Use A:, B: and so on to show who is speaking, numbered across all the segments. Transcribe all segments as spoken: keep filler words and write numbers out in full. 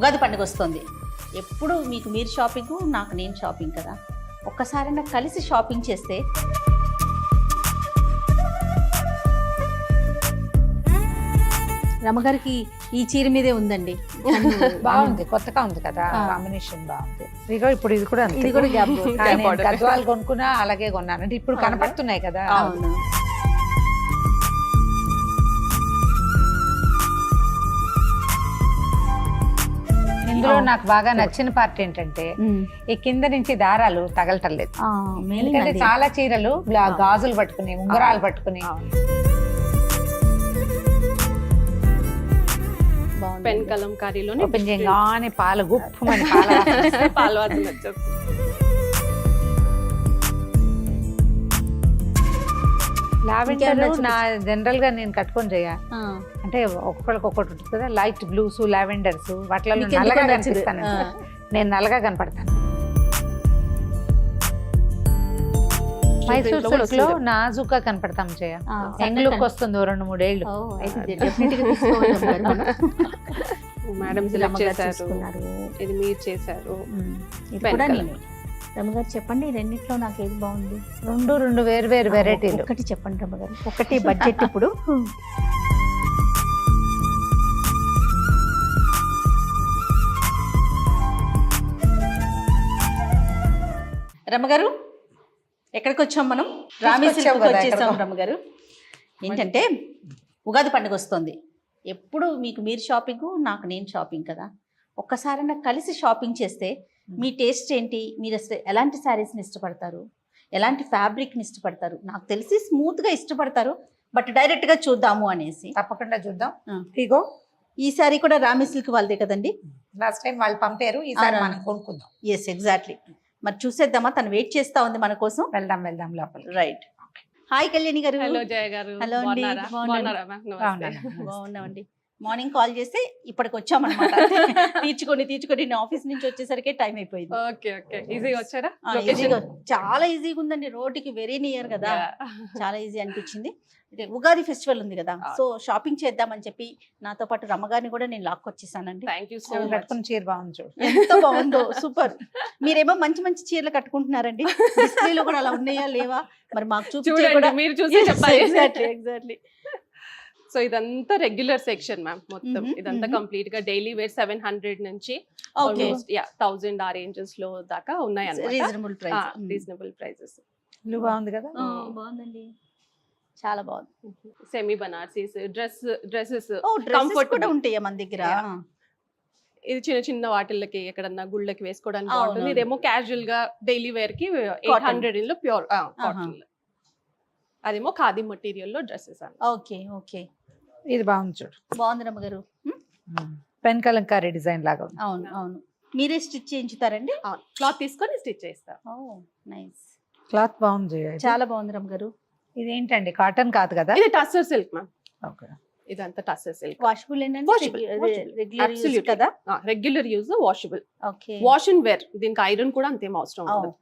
A: ఉగాది పండుగ వస్తుంది. ఎప్పుడు మీకు మీరు షాపింగ్, నాకు నేను షాపింగ్ కదా. ఒక్కసారైనా కలిసి షాపింగ్ చేస్తే రమగారికి ఈ చీర మీదే ఉందండి.
B: బాగుంది, కొత్తగా ఉంది కదా, కాంబినేషన్ బాగుంది. ఇదిగో ఇప్పుడు ఇది కూడా
A: ఇది కూడా గ్యాప్
B: గద్వాలు కొనుక్కున్నా అలాగే కొన్నాను అంటే ఇప్పుడు కనపడుతున్నాయి కదా.
A: అవును.
B: ఇందులో నాకు బాగా నచ్చిన పార్ట్ ఏంటంటే ఈ కింద నుంచి దారాలు తగలటం లేదు. ఎందుకంటే చాలా చీరలు గాజులు పట్టుకుని ఉంగరాలు పట్టుకుని
C: పెన్ కలంకారీలోనే
B: ఓపెన్ చేయగానే పాలు గుప్పమని పాల
C: పాలు వాసన వచ్చేస్తుంది.
B: లావెండర్ నా జనరల్ గా నేను కట్టుకొని చేయ అంటే ఒక్కొక్కరికి ఒక్కటి ఉంటుంది కదా, లైట్ బ్లూస్ లావెండర్స్ వాటిలో నల్లగా కనిపిస్తాను. నేను నల్లగా కనపడతాను. మైసూర్ సిల్క్ లో నాజుగా కనపడతాం చేయ, యంగ్ లుక్ వస్తుంది రెండు మూడేళ్ళు.
C: మేడం సెలెక్ట్ చేశారు, ఇది మీరు చేశారు.
A: రమగారు చెప్పండి, రెండిట్లో నాకు ఏది బాగుంది?
B: రెండు రెండు వేరు వేరు వెరైటీలు.
A: ఒకటి చెప్పండి రమగారు, ఒకటి బడ్జెట్. ఇప్పుడు రమగారు ఎక్కడికి వచ్చాం మనం? రామీ సిల్క్ వచ్చేసాం రమగారు. ఏంటంటే ఉగాది పండుగ వస్తుంది. ఎప్పుడు మీకు మీరు షాపింగ్, నాకు నేను షాపింగ్ కదా. ఒక్కసారైనా కలిసి షాపింగ్ చేస్తే మీ టేస్ట్ ఏంటి, మీరు అసలు ఎలాంటి శారీస్ని ఇష్టపడతారు, ఎలాంటి ఫ్యాబ్రిక్ని ఇష్టపడతారు? నాకు తెలిసి స్మూత్గా ఇష్టపడతారు, బట్ డైరెక్ట్గా చూద్దాము అనేసి.
B: తప్పకుండా చూద్దాం. ఇగో
A: ఈ సారీ కూడా రామీ సిల్క్ వాళ్ళదే కదండి.
B: లాస్ట్ టైం వాళ్ళు పంపారు, ఈసారి మనం కొనుక్కుందాం.
A: Yes, exactly. మరి చూసేద్దామా, తను వెయిట్ చేస్తా ఉంది మన కోసం.
B: వెళ్దాం వెళ్దాం లోపల.
A: రైట్. హాయ్ కళ్యాణి గారు.
C: హలో జయ గారు.
A: హలో అండి. బాగున్నామండి. మార్నింగ్ కాల్ చేస్తే ఇప్పటికి వచ్చామన్నమాట. తీర్చుకొని తీర్చుకొని నేను ఆఫీస్ నుంచి వచ్చేసరికి టైం అయిపోయింది.
C: Okay okay. ఈజీగా వచ్చారా?
A: చాలా ఈజీగా ఉందండి, రోడ్డుకి వెరీ నియర్ కదా, చాలా ఈజీ అనిపించింది. ఉగాది ఫెస్టివల్ ఉంది కదా, సో షాపింగ్ చేద్దామని చెప్పి నాతో పాటు రమ్మగారిని కూడా నేను లాక్కొచ్చేసానండి.
C: Thank you so much.
B: కట్టుకున్న చీర బాగుంది చూడు,
A: ఎంత బాగుందో, సూపర్. మీరేమో మంచి మంచి చీరలు కట్టుకుంటున్నారండి. డిస్ప్లేలో కూడా అలా ఉన్నాయా లేవా మరి మాకు చూపించండి,
C: మీరు చూసి చెప్పాలి.
A: Exactly exactly.
C: సో ఇదంతా రెగ్యులర్ సెక్షన్ మ్యామ్. మొత్తం ఇదంతా కంప్లీట్ గా డైలీ వేర్ సెవెన్ హండ్రెడ్ నుంచి థౌసండ్ ఆ రేంజెస్ లో దాకా ఉన్నాయి అన్నమాట.
A: Reasonable price.
C: Reasonable prices.
B: బాగుంది కదా.
A: బాగుందండి, చాలా బాగుంది.
C: Semi Banarasis dress dresses
A: comfort కూడా ఉంటాయా మన దగ్గర?
C: ఇది చిన్న చిన్న వాటిల్లకి ఎక్కడన్నా గుళ్ళకి వేసుకోవడానికి బాగుంటుంది. ఇదేమో క్యాజువల్ గా డైలీ వేర్ కి ఎయిట్ హండ్రెడ్ లో ప్యూర్ కాటన్. అదేమో ఖాదీ మెటీరియల్ లో డ్రెస్సెస్ అండి.
A: Okay okay.
B: ఇది బాగుంది చూడు,
A: బాగుంది రమ్మగారు.
B: పెన్ కలంకారీ డిజైన్ లాగా ఉంది.
A: అవును అవును. మీరే స్టిచ్ చేయించుతారండి?
C: క్లాత్ తీసుకొని స్టిచ్ చేస్తారు.
A: Oh nice.
B: క్లాత్ బాగుంది,
A: చాలా బాగుంది రమ్మగారు.
B: ఇదేంటంటే కాటన్ కాదు కదా,
C: ఇది టస్సర్ సిల్క్ మ్యామ్.
B: ఓకే.
C: ఇదంతా tussar silk.
A: Washable regular use కదా?
C: Regular use, washable.
A: Okay.
C: Wash and wear. దీనికి ఐరన్ కూడా అంతేం అవసరం ఉండదు.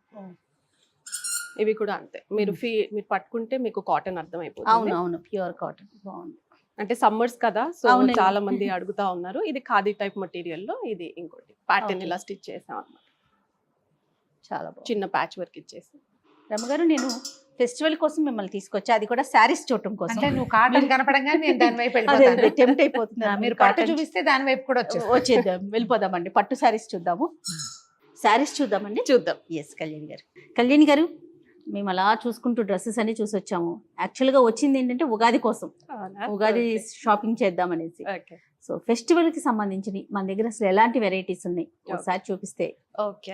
C: ఇవి కూడా అంతే. మీరు ఫీ మీరు పట్టుకుంటే మీకు కాటన్ అర్థం అయిపోతుంది.
A: అవును అవును, ప్యూర్ కాటన్. బాగుంది.
C: అంటే సమ్మర్స్ కదా, సో చాలా మంది అడుగుతా ఉన్నారు. ఇది ఖాదీ టైప్ మెటీరియల్ లో ఇది ఇంకోటి ప్యాటర్న్ ఇలా స్టిచ్ చేసాం అన్నమాట.
A: చాలా బాగుంది.
C: చిన్న ప్యాచ్ వర్క్ ఇచ్చేసి.
A: రమగారు నేను ఫెస్టివల్ కోసం మిమ్మల్ని తీసుకొచ్చా, అది కూడా శారీస్ చూడటం కోసం.
B: అంటే నువ్వు కాటన్ కనపడంగా నేను దాని వైపు వెళ్ళిపోతాను.
A: టెంప్ట్ అయిపోతున్నా.
B: మీరు పట్టు చూపిస్తే దాని వైపు కూడా వచ్చేస్తాం.
A: వచ్చేద్దాం, వెళ్ళిపోదామండి. పట్టు శారీస్ చూద్దాము. శారీస్ చూద్దామండి.
C: చూద్దాం.
A: ఎస్ కళ్యాణి గారు. కళ్యాణి గారు, మేము అలా చూసుకుంటూ డ్రెస్సెస్ అన్ని చూసి వచ్చాము. యాక్చువల్గా వచ్చింది ఏంటంటే ఉగాది కోసం, ఉగాది షాపింగ్ చేద్దామనేసి. సో ఫెస్టివల్ కి సంబంధించి మన దగ్గర అసలు ఎలాంటి వెరైటీస్ ఉన్నాయి ఒకసారి చూపిస్తే.
C: ఓకే.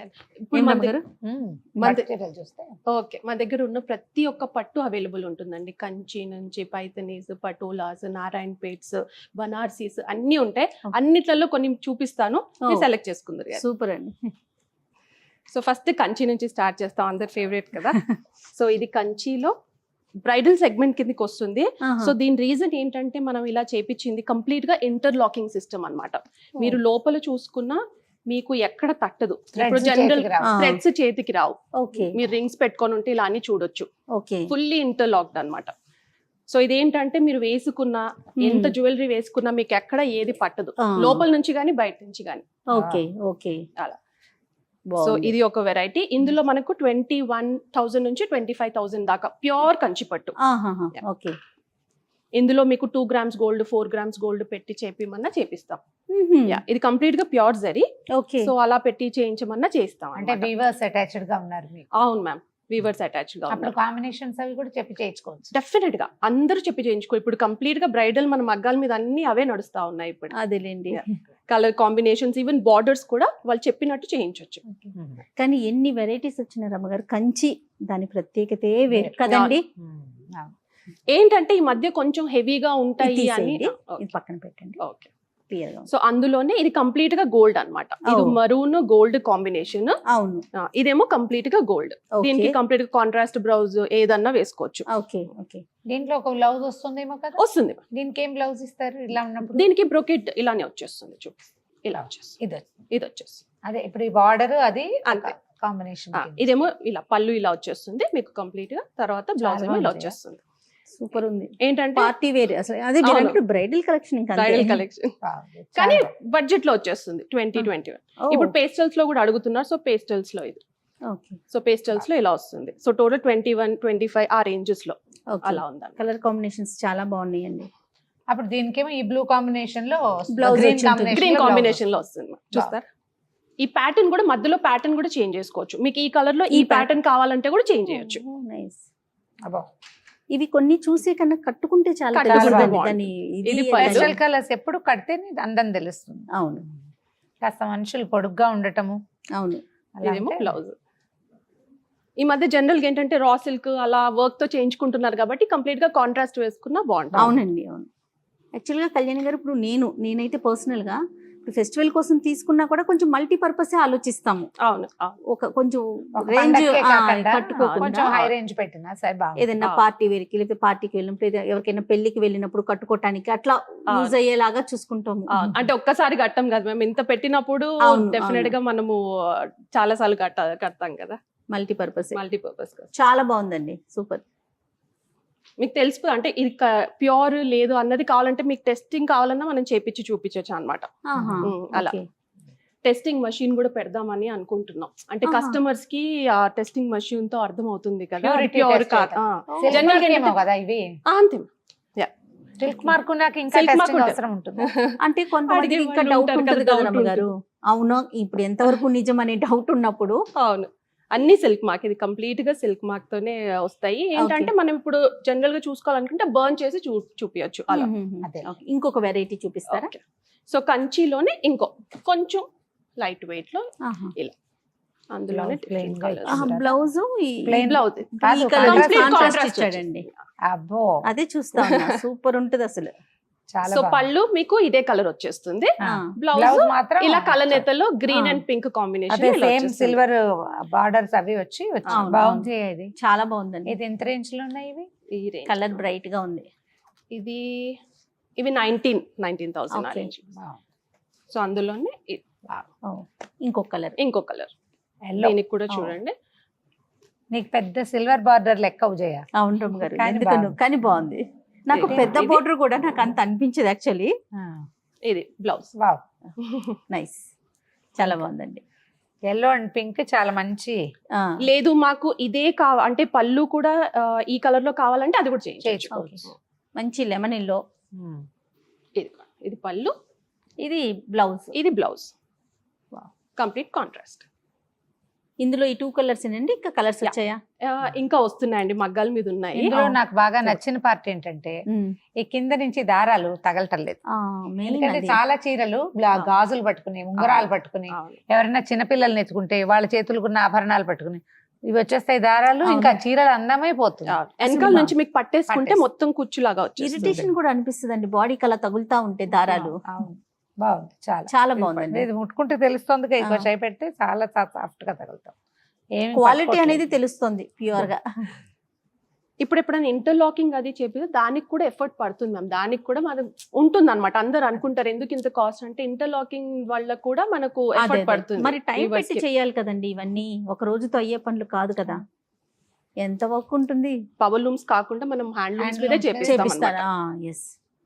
C: ఓకే, మన దగ్గర ఉన్న ప్రతి ఒక్క పట్టు అవైలబుల్ ఉంటుందండి. కంచి నుంచి పైతనీస్, పటోలాస్, నారాయణ పేట్స్, బనార్సీస్ అన్ని ఉంటాయి. అన్నిట్లలో కొన్ని చూపిస్తాను, సెలెక్ట్ చేసుకుందరు.
A: సూపర్ అండి.
C: సో ఫస్ట్ కంచి నుంచి స్టార్ట్ చేస్తాం, అందరి ఫేవరెట్ కదా. సో ఇది కంచిలో బ్రైడల్ సెగ్మెంట్ కిందకి వస్తుంది. సో దీని రీజన్ ఏంటంటే మనం ఇలా చేపించింది కంప్లీట్ గా ఇంటర్లాకింగ్ సిస్టమ్ అన్నమాట. మీరు లోపల చూసుకున్నా మీకు ఎక్కడ తట్టదు. ఇప్పుడు జనరల్ థ్రెడ్స్ చేతికి రావు. మీరు రింగ్స్ పెట్టుకొని ఉంటే ఇలా అని చూడొచ్చు. ఫుల్లీ ఇంటర్లాక్డ్ అన్నమాట. సో ఇదేంటంటే మీరు వేసుకున్నా ఎంత జ్యువెలరీ వేసుకున్నా మీకు ఎక్కడ ఏది పట్టదు, లోపల నుంచి కానీ బయట నుంచి కానీ.
A: ఓకే ఓకే
C: అలా. సో ఇది ఒక వెరైటీ. ఇందులో మనకు ట్వంటీ వన్ థౌసండ్ నుంచి ట్వంటీ ఫైవ్ థౌసండ్ దాకా ప్యూర్ కంచిపట్టు.
A: ఓకే.
C: ఇందులో మీకు two grams gold four grams gold పెట్టి చేపిమన్నా చేపిస్తాం. యా, ఇది కంప్లీట్ గా ప్యూర్ జరీ.
A: ఓకే.
C: సో అలా పెట్టి చేయించమన్నా చేస్తాం.
B: అంటే వీవర్స్ అటాచ్డ్ గా ఉన్నారు మీకు?
C: అవును మ్యామ్, వీవర్స్ అటాచ్డ్ గా
B: అప్పుడు కాంబినేషన్స్ అవి కూడా చెప్పి చేయించుకోవచ్చు.
C: డెఫినెట్ గా అందరూ చెప్పి చేయించుకో. ఇప్పుడు కంప్లీట్ గా బ్రైడల్ మన మగ్గాల మీద అన్ని అవే నడుస్తా ఉన్నాయి ఇప్పుడు.
A: అదేలేండి.
C: కలర్ కాంబినేషన్స్ ఈవెన్ బార్డర్స్ కూడా వాళ్ళు చెప్పినట్టు చేయించవచ్చు.
A: కానీ ఎన్ని వెరైటీస్ వచ్చిన రమ్మగారు, కంచి దాని ప్రత్యేకతే వేరు కదండి.
C: ఏంటంటే ఈ మధ్య కొంచెం హెవీగా ఉంటాయి అని.
A: ఇది పక్కన పెట్టండి.
C: ఓకే. సో అందులోనే ఇది కంప్లీట్ గా గోల్డ్ అన్నమాట. ఇది మరూన్ గోల్డ్ కాంబినేషన్.
A: అవును.
C: ఇదేమో కంప్లీట్ గా గోల్డ్. దీనికి కంప్లీట్ గా కాంట్రాస్ట్ బ్లౌజ్ ఏదన్నా వేసుకోవచ్చు.
A: Okay okay.
B: దీంట్లో ఒక బ్లౌజ్ వస్తుందేమో కదా?
C: వస్తుంది.
B: దీనికి ఏం బ్లౌజ్ ఇస్తారు ఇలా ఉన్నప్పుడు?
C: దీనికి బ్రోకెట్ ఇలానే వచ్చేస్తుంది. చూపి ఇలా వచ్చేస్తుంది.
B: ఇది
C: ఇది వచ్చేస్తుంది.
B: అదే ఇప్పుడు ఈ బార్డర్ అది
C: అంతే
B: కాంబినేషన్.
C: ఇదేమో ఇలా పళ్ళు ఇలా వచ్చేస్తుంది మీకు కంప్లీట్ గా. తర్వాత బ్లౌజ్ ఏమో ఇలా వచ్చేస్తుంది.
A: సూపర్ ఉంది.
C: ఏంటంటే
A: పార్టీ వేర్ అసలు. అదే బ్రైడల్ కలెక్షన్. ఇంకా
C: బ్రైడల్ కలెక్షన్ కానీ బడ్జెట్ లో వచ్చేస్తుంది. ట్వంటీ ట్వంటీ వన్ ఇప్పుడు పేస్టల్స్ లో కూడా అడుగుతున్నారు. సో పేస్టల్స్ లో ఇది.
A: ఓకే.
C: సో పేస్టల్స్ లో ఇలా వస్తుంది. So total twenty one twenty five ఆ రేంజెస్ లో అలా ఉంది.
A: కలర్ కాంబినేషన్స్ చాలా బాగున్నాయండి.
B: అప్పుడు దీనికేమో ఈ బ్లూ కాంబినేషన్ లో
A: బ్లౌజ్
C: గ్రీన్ కాంబినేషన్ లో వస్తుంది. చూస్తారు ఈ ప్యాటర్న్ కూడా మధ్యలో ప్యాటర్న్ కూడా చేంజ్ చేసుకోవచ్చు. మీకు ఈ కలర్ లో ఈ ప్యాటర్న్ కావాలంటే కూడా చేంజ్ చేయొచ్చు.
B: నైస్. అబ్బో
A: ఇవి కొన్ని చూసే కన్నా కట్టుకుంటే చాలా
B: పేస్టల్ కలర్స్ ఎప్పుడు కడితేనే అందం తెలుస్తుంది.
A: అవును.
B: కాస్త మనుషులు పొడుగ్గా ఉండటము.
A: అవును.
C: ఇదేమో బ్లౌజ్. ఈ మధ్య జనరల్ గా ఏంటంటే రా సిల్క్ అలా వర్క్ తో చేయించుకుంటున్నారు కాబట్టి కంప్లీట్ గా కాంట్రాస్ట్ వేసుకున్నా బాగుంటుంది.
A: అవునండి. అవును. యాక్చువల్ గా కళ్యాణి గారు ఇప్పుడు నేను నేనైతే పర్సనల్ గా ఫెస్టివల్ కోసం తీసుకున్నా కూడా కొంచెం మల్టీపర్పస్ ఆలోచిస్తాము.
C: అవును.
A: ఒక కొంచెం రేంజ్
B: కొంచెం హై రేంజ్ పెట్టినా సరే బాగుంది.
A: ఏదైనా పార్టీ వేర్కి లేకపోతే పార్టీకి వెళ్ళినప్పుడు ఎవరికైనా పెళ్లికి వెళ్ళినప్పుడు కట్టుకోవటానికి అట్లా యూజ్ అయ్యేలాగా చూసుకుంటాము.
C: అంటే ఒక్కసారి కట్టం కదా మేము, ఇంత పెట్టినప్పుడు డెఫినెట్ గా మనము చాలా సార్లు కట్ట కడతాం కదా.
A: మల్టీపర్పస్
C: మల్టీపర్పస్
A: చాలా బాగుందండి. సూపర్.
C: మీకు తెలిసిపోతుంది అంటే ఇది ప్యూర్ లేదు అన్నది కావాలంటే మీకు టెస్టింగ్ కావాలన్నా మనం చేపించి చూపించవచ్చు అనమాట. అలా టెస్టింగ్ మషిన్ కూడా పెడదామని అనుకుంటున్నాం. అంటే కస్టమర్స్ కి ఆ టెస్టింగ్ మషిన్ తో అర్థం అవుతుంది కదా ప్యూర్ కాదు. అంతే.
B: సిల్క్ మార్క్ నాకు ఇంకా టెస్టింగ్ అవసరం ఉంటుంది.
A: అంటే కొంతమందికి ఇంకా డౌట్ ఉంటుంది కదా రమ్మగారు. అవును, ఇప్పుడు ఎంతవరకు నిజం అనే డౌట్ ఉన్నప్పుడు.
C: అవును, అన్ని సిల్క్ మార్క్. ఇది కంప్లీట్ గా సిల్క్ మార్క్ తోనే వస్తాయి. ఏంటంటే మనం ఇప్పుడు జనరల్ గా చూసుకోవాలనుకుంటే బర్న్ చేసి చూ చూపించచ్చు అలా.
A: ఇంకొక వెరైటీ చూపిస్తారా?
C: సో కంచిలోనే ఇంకో కొంచెం లైట్ వెయిట్ లో ఇలా అందులోనే
A: బ్లౌజ్
C: బ్లౌజ్
A: ఇచ్చాడండి.
B: అబ్బో
A: అదే చూస్తా సూపర్ ఉంటది అసలు.
C: సో పళ్ళు మీకు ఇదే కలర్ వచ్చేస్తుంది. బ్లౌజ్ మాత్రం ఇలా కలనేతలో green and pink combination,
B: same silver borders అవి వచ్చి బాగుంది. ఇది
A: చాలా బాగుందండి.
B: ఇది ఎంత రేంజ్ లో ఉన్నాయి ఇవి?
C: ఈ రేంజ్
A: కలర్ బ్రైట్ గా ఉంది.
C: ఇది ఇవి నైన్టీన్ నైన్టీన్ థౌసండ్ ఆ రేంజ్. సో అందులోనే
A: ఇంకొక కలర్
C: ఇంకో కలర్ దీనికి కూడా చూడండి.
B: నీకు పెద్ద సిల్వర్ బార్డర్ లెక్క చేయ.
A: అవును రమ్మ గారు, ఎందుకను కానీ బాగుంది. నాకు పెద్ద బోర్డర్ కూడా నాకు అంత అనిపించదు యాక్చువల్లీ.
C: ఇది బ్లౌజ్.
B: వావ్,
A: నైస్, చాలా బాగుందండి.
B: ఎల్లో అండ్ పింక్ చాలా మంచి.
C: లేదు మాకు ఇదే కావ అంటే పళ్ళు కూడా ఈ కలర్ లో కావాలంటే అది కూడా చేయించుకోవచ్చు.
A: మంచి లెమన్ ఎల్లో.
C: ఇది ఇది పళ్ళు,
A: ఇది బ్లౌజ్.
C: ఇది బ్లౌజ్ కంప్లీట్ కాంట్రాస్ట్.
A: ఇందులో ఈ టూ కలర్స్ ఏనండి, ఇంకా కలర్స్ వచ్చాయా?
C: ఇంకా వస్తున్నాయండి, మగ్గాల మీద ఉన్నాయి.
B: ఇందులో నాకు బాగా నచ్చిన పార్ట్ ఏంటంటే ఈ కింద నుంచి దారాలు తగలటం లేదు. ఎందుకంటే చాలా చీరలు గాజులు పట్టుకుని ఉంగరాలు పట్టుకుని ఎవరైనా చిన్నపిల్లల్ని ఎత్తుకుంటే వాళ్ళ చేతులకు ఆభరణాలు పట్టుకుని ఇవి వచ్చేస్తాయి దారాలు, ఇంకా చీరలు అందమైపోతుంది.
C: వెనకాల నుంచి మీకు పట్టేసుకుంటే మొత్తం కుచ్చులాగా వచ్చేస్తుంది.
A: ఇరిటేషన్ కూడా అనిపిస్తుంది అండి బాడీకి అలా తగులుతా ఉంటే దారాలు.
B: బాగుంది, చాలా
A: చాలా బాగుందండి.
B: ఇది ముట్టుకుంటే తెలుస్తుంది, ఎక్కువ చేయి పెడితే చాలా సాఫ్ట్ గా తగులుతాం.
A: క్వాలిటీ అనేది తెలుస్తుంది ప్యూర్ గా.
C: ఇప్పుడు ఎప్పుడైనా ఇంటర్లాకింగ్ అది చెప్పి దానికి కూడా ఎఫర్ట్ పడుతుంది మ్యామ్. దానికి కూడా మనం ఉంటుంది అనమాట. అందరు అనుకుంటారు ఎందుకు ఇంత కాస్ట్ అంటే ఇంటర్లాకింగ్ వల్ల కూడా మనకు ఎఫర్ట్ పడుతుంది.
A: మరి టైం పెట్టి చేయాలి కదండి ఇవన్నీ, ఒక రోజుతో అయ్యే పనులు కాదు కదా. ఎంత వర్క్ ఉంటుంది.
C: పవర్ లూమ్స్ కాకుండా మనం హ్యాండ్ లూమ్స్ మీదే
B: Handlooms
C: చేపిస్తాం
A: చేపిస్తారా? ఎస్,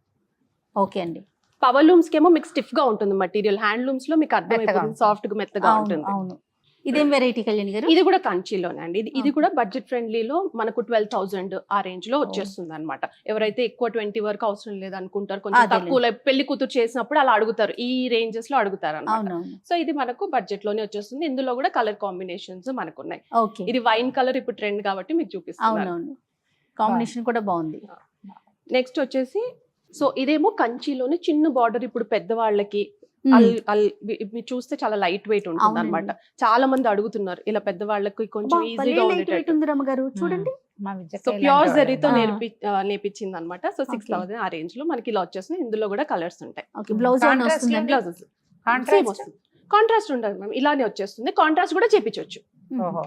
A: ఓకే అండి.
C: పవర్ లూమ్స్ కేమో మీకు స్టిఫ్ గా ఉంటుంది మెటీరియల్, హ్యాండ్ లూమ్స్ లో మీకు అర్థమైపోతుంది
B: ఉంటుంది.
C: సాఫ్ట్ గా మెత్తగా
A: అవును
C: ఉంటుంది.
A: అవును. ఇదేం వెరైటీ కళ్యాణి గారు?
C: ఇది కూడా కంచిలోనే అండి. ఇది ఇది
A: Okay.
C: కూడా బడ్జెట్ ఫ్రెండ్లీలో మనకు ట్వెల్వ్ థౌసండ్ ఆ రేంజ్ లో వచ్చేస్తుంది అనమాట. ఎవరైతే ఎక్కువ ట్వంటీ వరకు అవసరం లేదు అనుకుంటారు, కొంచెం
A: అదేలే.
C: తక్కువ like పెళ్లి కూతురు చేసినప్పుడు అలా అడుగుతారు, ఈ రేంజెస్ లో అడుగుతారు అనమాట.
A: అవునవును.
C: సో ఇది మనకు బడ్జెట్ లోనే వచ్చేస్తుంది. ఇందులో కూడా కలర్ కాంబినేషన్స్ మనకు ఉన్నాయి.
A: ఓకే,
C: ఇది వైన్ కలర్ ఇప్పుడు ట్రెండ్ కాబట్టి మీకు చూపిస్తాను.
A: అవునవును. కాంబినేషన్ కూడా బాగుంది.
C: నెక్స్ట్ వచ్చేసి సో ఇదేమో కంచిలోనే చిన్న బార్డర్, ఇప్పుడు పెద్దవాళ్ళకి
A: మ్మ్.
C: అల్ అల్ వి- మీరు చూస్తే చాలా లైట్ వెయిట్ ఉంటుంది
A: అవునండి.
C: అనమాట. చాలా మంది అడుగుతున్నారు ఇలా పెద్దవాళ్ళకి కొంచెం
A: అబ్బా, భలే
C: ఈజీగా
A: light weight
C: ఉండేటట్టు.
A: ఉంది రమ్మగారు, చూడండి.
B: మా విద్య
C: సో ప్యూర్ జరీతో
A: ఆ.
C: నేర్పి ఆ, నేర్పించింది అనమాట. So six
A: Okay.
C: థౌసండ్ ఆ రేంజ్ లో మనకి ఇలా వచ్చేస్తుంది. ఇందులో కూడా కలర్స్ ఉంటాయి.
A: ఓకే, బ్లౌజ్ ఏమైనా
B: Contrast
A: వస్తుందండి?
C: Blouses
B: contrast.
C: కాంట్రాస్ట్ ఉండదు మ్యామ్, ఇలానే వచ్చేస్తుంది. కాంట్రాస్ట్ కూడా చేపించవచ్చు,
B: ఓహో.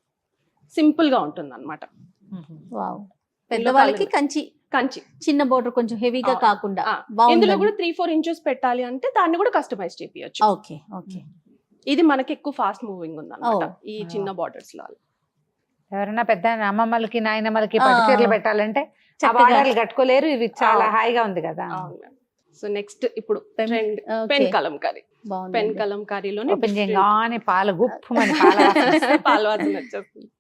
C: సింపుల్ గా ఉంటుంది అనమాట.
A: వావ్. పెద్దవాళ్ళకి
C: colour.
A: కంచి
C: కంచి
A: చిన్న బోర్డర్ కొంచెం హెవీగా
C: ఆ,
A: కాకుండా
C: ఆ,
A: బాగుంది.
C: ఇందులో కూడా త్రీ ఫోర్ ఇంచెస్ పెట్టాలి అంటే దాన్ని కూడా కస్టమైజ్ చేపించచ్చు.
A: Okay okay.
C: ఇది మనకి ఎక్కువ ఫాస్ట్ మూవింగ్ ఉంది అనమాట
A: Oh.
C: ఈ చిన్న బార్డర్స్ లో.
B: ఎవరైనా పెద్ద అమ్మమ్మలకి నాయనమ్మలకి పట్టు
A: ఆ.
B: చీరలు పెట్టాలంటే ఆ
A: చక్కగా.
B: బార్డర్లు కట్టుకోలేరు, ఇవి చాలా
C: ఆ.
B: హాయిగా ఉంది కదా.
C: సో నెక్స్ట్ ఇప్పుడు
A: Pen-
C: trend
A: Okay.
C: Pen Kalamkari.
A: బాగుంది.
C: పెన్ కలంకారీలోనే
B: ఓపెన్ చేయగానే పాలు గుప్పమని పాల వాసన వస్తుంది.
C: పాల వాసన వచ్చేస్తుంది.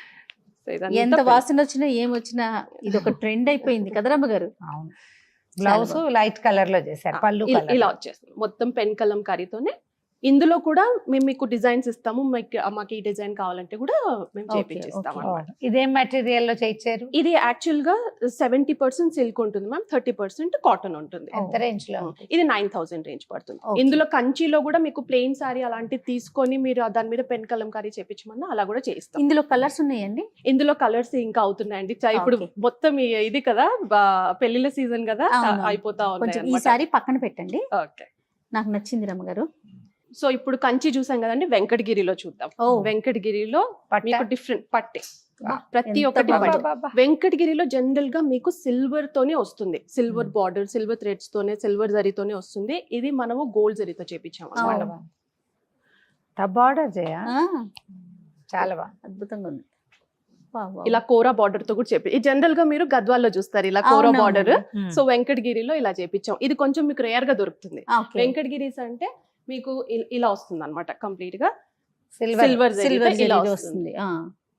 C: So ఇదంతా
A: ఎంత
C: pen.
A: వాసన వచ్చినా ఏం వచ్చినా ఇది ఒక ట్రెండ్ అయిపోయింది కదా రమ్మగారు.
B: అవును. బ్లౌజ్ లైట్ కలర్ లో చేశారు, పళ్ళు
C: ఇలా-
B: colour.
C: ఇలా వచ్చేస్తుంది మొత్తం పెన్ కలంకారీతోనే. ఇందులో కూడా మేము మీకు డిజైన్స్ ఇస్తాము, మీకు- మాకు ఈ డిజైన్ కావాలంటే కూడా మేము
A: Okay,
C: చేపించిస్తాం
A: okay.
C: అన్నమాట.
B: ఓ, ఇదేం మెటీరియల్ లో చేయించారు?
C: ఇది యాక్చువల్ గా సెవెంటీ పర్సెంట్ సిల్క్ ఉంటుంది మ్యామ్, థర్టీ పర్సెంట్ కాటన్ ఉంటుంది.
B: ఎంత రేంజ్ లో?
C: ఇది నైన్ థౌసండ్ రేంజ్ పడుతుంది.
A: Okay.
C: ఇందులో కంచిలో కూడా మీకు ప్లెయిన్ సారీ అలాంటివి తీసుకొని మీరు దాని మీద పెన్ కలంకారీ చేపించమన్నా అలా కూడా చేయిస్తాం.
A: ఇందులో కలర్స్ ఉన్నాయండి?
C: ఇందులో కలర్స్ ఇంకా అవుతున్నాయండి. చ- ఇప్పుడు
A: Okay.
C: మొత్తం ఈ- ఇది కదా బా- పెళ్లిళ్ళ సీజన్ కదా,
A: అవును.
C: అయిపోతా
A: కొంచెం
C: ఉన్నాయి
A: ఈసారి పక్కన పెట్టండి,
C: ఓకే.
A: నాకు నచ్చింది రమ్మగారు.
C: సో ఇప్పుడు కంచి చూసాం కదండి, వెంకటగిరిలో చూద్దాం.
A: ఓ,
C: వెంకటగిరిలో
B: పట్ట?
C: మీకు డిఫరెంట్ పట్టే,
A: బా,
C: ప్రతి
A: ఎంత
C: ఒక్కటి
A: బాగుంది.
C: పట్టే.
B: అబ్బబ్బా.
C: వెంకటగిరిలో జనరల్ గా మీకు సిల్వర్ తోనే వస్తుంది, సిల్వర్ బార్డర్, సిల్వర్ థ్రెడ్స్ తోనే, సిల్వర్ జరీతోనే వస్తుంది. ఇది మనము గోల్డ్ జరీతో చేపించాము
A: అవును.
C: అన్నమాట.
B: చాలా బాగుంది. బార్డర్ చేయ
A: ఆ,
B: చాలా బాగుంది.
A: అద్భుతంగా ఉంది. Wow, wow.
C: ఇలా కోరా బార్డర్ తో కూడా చేపి, జనరల్ గా మీరు గద్వాల్లో చూస్తారు ఇలా కోరా
A: అవునవును.
C: బార్డర్.
B: Hmm.
C: సో వెంకటగిరిలో ఇలా చేపించాం. ఇది కొంచెం మీకు రేర్ గా దొరుకుతుంది.
A: ఆ, okay.
C: వెంకటగిరీస్ అంటే మీకు ఇ- ఇలా వస్తుంది అనమాట, కంప్లీట్ గా
B: సిల్వర్.
C: సిల్వర్
A: సిల్వర్
C: ఇలా
A: జరీ
C: వస్తుంది.
A: వస్తుంది. ఆ,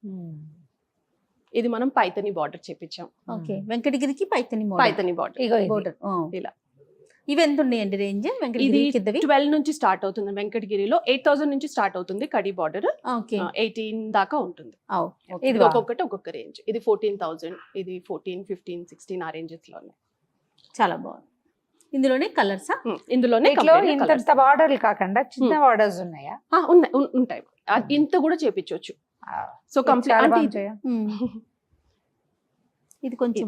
C: ఇది మనం పైతని బార్డర్ చేపించాం.
A: ఓకే. వెంకటగిరికి పైతని
C: పైతని బార్డర్
B: ఇగో ఇది.
A: బోర్డర్.
C: ఇలా.
A: ఇవి ఎంత ఉన్నాయండి రేంజ్
C: ఇది
A: వెంకటగిరి కిందవి?
C: ట్వెల్వ్ నుంచి స్టార్ట్ అవుతుంది. వెంకటగిరిలో ఎయిట్ థౌసండ్ నుంచి స్టార్ట్ అవుతుంది కడి బార్డర్,
A: ఓకే.
C: ఎయిటీన్ దాకా ఉంటుంది.
A: ఆ,
B: ఇది
C: ఇది
B: బాగుంది.
C: ఒక్కొక్కటి ఒక్కొక్క రేంజ్. ఇది ఫోర్టీన్ థౌసండ్, ఇది ఫోర్టీన్ ఫిఫ్టీన్ సిక్స్టీన్ ఆ రేంజెస్ లో ఉన్నాయి.
A: చాలా బాగుంది. ఇందులోనే కలర్సా?
C: Hmm. ఇందులోనే
B: వీటిలో
C: complete గా colours.
B: ఇంత బార్డర్లు కాకుండా చిన్న
C: Hmm.
B: బార్డర్స్ ఉన్నాయా?
C: ఆ, ఉన్నాయి ఉన్- ఉంటాయి. ఆ, ఇంత కూడా చేపించవచ్చు. సో
B: ఇది
C: కంప్లీట్
B: చాలా
C: అంటే
B: బాగుంది
C: ఇది-
B: చేయ.
A: ఇది కొంచెం